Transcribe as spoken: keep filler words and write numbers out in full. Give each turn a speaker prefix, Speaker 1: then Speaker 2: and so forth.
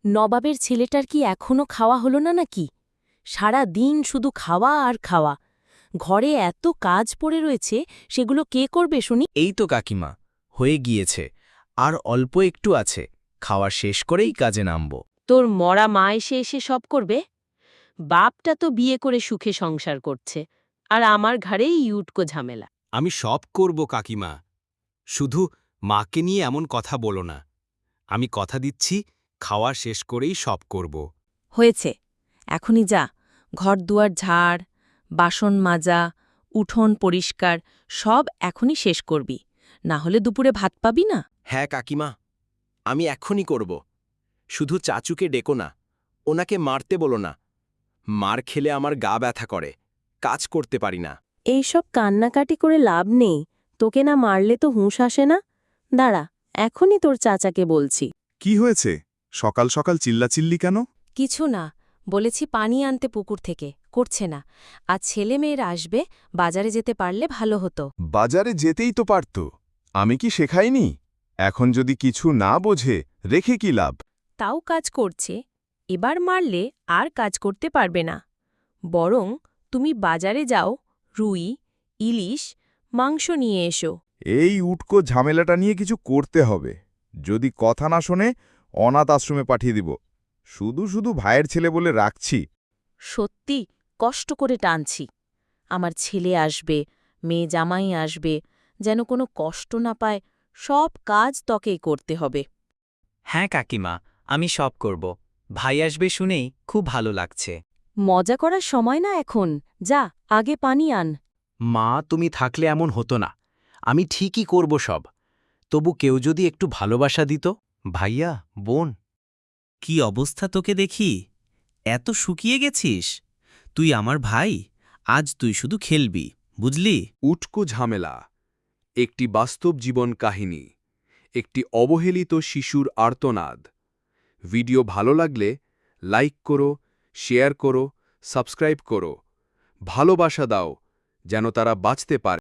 Speaker 1: নবাবের ছেলেটার কি এখনো খাওয়া হলো না নাকি? সারা দিন শুধু খাওয়া আর খাওয়া। ঘরে এত কাজ পড়ে রয়েছে, সেগুলো কে করবে শুনি?
Speaker 2: এই তো কাকিমা, হয়ে গিয়েছে। আর অল্প একটু আছে, খাওয়া শেষ করেই কাজে নামব।
Speaker 1: তোর মরা মা এসে এসে সব করবে? বাপটা তো বিয়ে করে সুখে সংসার করছে, আর আমার ঘাড়েই ইউটকো ঝামেলা।
Speaker 3: আমি সব করব কাকিমা, শুধু মাকে নিয়ে এমন কথা বলো না। আমি কথা দিচ্ছি, খাওয়া শেষ করেই সব করব।
Speaker 1: হয়েছে, এখনই যা। ঘর দুয়ার ঝাড়, বাসন মাজা, উঠোন পরিষ্কার সব এখনই শেষ করবি, না হলে দুপুরে ভাত পাবি না।
Speaker 2: হ্যাঁ কাকিমা, আমি এক্ষুনি করব। শুধু চাচুকে ডেকো না, ওনাকে মারতে বলো না। মার খেলে আমার গা ব্যথা করে, কাজ করতে পারি না।
Speaker 1: এইসব কান্নাকাটি করে লাভ নেই, তোকে না মারলে তো হুঁশ আসে না। দাঁড়া, এখনই তোর চাচাকে বলছি।
Speaker 4: কি হয়েছে? সকাল সকাল চিল্লাচিল্লি কেন?
Speaker 1: কিছু না, বলেছি পানি আনতে পুকুর থেকে, করছে না। আজ ছেলে মেয়েরা আসবে, বাজারে যেতে পারলে ভালো হতো।
Speaker 4: বাজারে যেতেই তো পারত। আমি কি শেখাইনি? এখন যদি কিছু না বোঝে, রেখে কি লাভ?
Speaker 1: তাও কাজ করছে, এবার মারলে আর কাজ করতে পারবে না। বরং তুমি বাজারে যাও, রুই, ইলিশ, মাংস নিয়ে এসো।
Speaker 4: এই উটকো ঝামেলাটা নিয়ে কিছু করতে হবে। যদি কথা না শোনে, অনাথ আশ্রমে পাঠিয়ে দিব। শুধু শুধু ভাইয়ের ছেলে বলে রাখছি।
Speaker 1: সত্যি কষ্ট করে টানছি। আমার ছেলে আসবে, মেয়ে জামাই আসবে, যেন কোনো কষ্ট না পায়। সব কাজ তকেই করতে হবে।
Speaker 5: হ্যাঁ কাকিমা, আমি সব করব। ভাই আসবে শুনেই খুব ভালো লাগছে।
Speaker 1: মজা করার সময় না এখন, যা আগে পানি আন।
Speaker 3: মা, তুমি থাকলে এমন হতো না। আমি ঠিকই করব সব। তবু কেউ যদি একটু ভালোবাসা দিত। ভাইয়া, বোন।
Speaker 5: কি অবস্থা তোকে দেখি, এত শুকিয়ে গেছিস? তুই আমার ভাই, আজ তুই শুধু খেলবি, বুঝলি?
Speaker 6: উটকো ঝামেলা, একটি বাস্তব জীবন কাহিনী, একটি অবহেলিত শিশুর আর্তনাদ। ভিডিও ভালো লাগলে লাইক করো, শেয়ার করো, সাবস্ক্রাইব করো। ভালোবাসা দাও, যেন তারা বাঁচতে পারে।